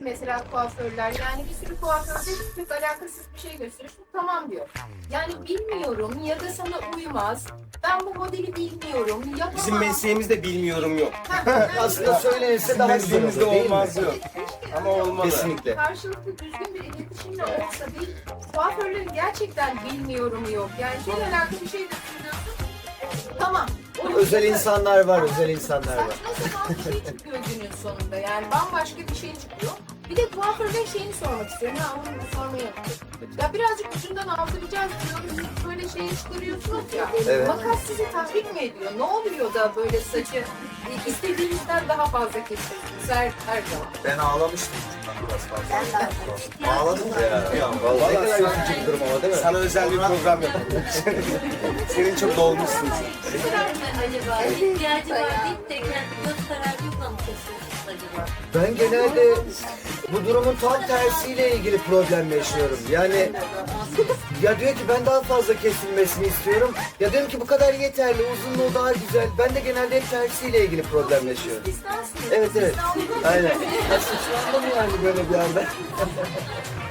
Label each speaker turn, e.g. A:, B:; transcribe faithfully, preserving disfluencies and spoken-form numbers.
A: Mesela kuaförler, yani bir sürü kuaförde pek alakasız bir şey gösteriyorsun, tamam diyor. Yani bilmiyorum ya da sana uymaz, ben bu modeli bilmiyorum, yapamam.
B: Bizim mesleğimizde bilmiyorum yok.
C: Aslında söylenirse daha güzel
B: Mesleğimizde
C: olur değil mi?
B: olmaz yok. Ama olmalı.
C: Kesinlikle.
A: Karşılıklı düzgün bir iletişimle olsa değil, kuaförlerin gerçekten bilmiyorum yok. Yani şeyle alakalı bir şey de söylüyorsun, tamam. O
C: Özel
A: yüzden-
C: insanlar var, özel insanlar var.
A: Saçma sapan bir şey çıkıyor günün sonunda, yani bambaşka bir şey çıkıyor. Bir de kuaförden şeyini sormak istiyorum, ha onu da sormayı yaptım. Ya birazcık ucundan aldıracağız diyoruz, böyle şey çıkarıyorsunuz ya.
C: Evet.
A: Makas sizi tahrik mi ediyor? Ne oluyor da böyle saçı istediğinizden daha fazla kesiyorsunuz her, her zaman?
D: Ben ağlamıştım bundan biraz fazla. Ağladım ya.
B: Ya,
C: Vallahi ne
B: vallahi
C: kadar
B: sana,
C: üzücü bir durum ama değil mi?
B: sana özel bir program yapalım. Senin çok dolmuşsun sen.
E: Acaba ihtiyacı var deyip de kendi göz kararı yokla mı kesiyorsunuz acaba?
C: Ben genelde bu durumun tam tersiyle ilgili problem yaşıyorum. Yani ya diyor ki ben daha fazla kesilmesini istiyorum. Ya diyorum ki bu kadar yeterli, uzunluğu daha güzel. Ben de genelde hep tersiyle ilgili problem yaşıyorum.
A: İstersiniz.
C: Evet evet.
A: İstersiniz.
C: Aynen. Saçmalandım yani böyle bir anda.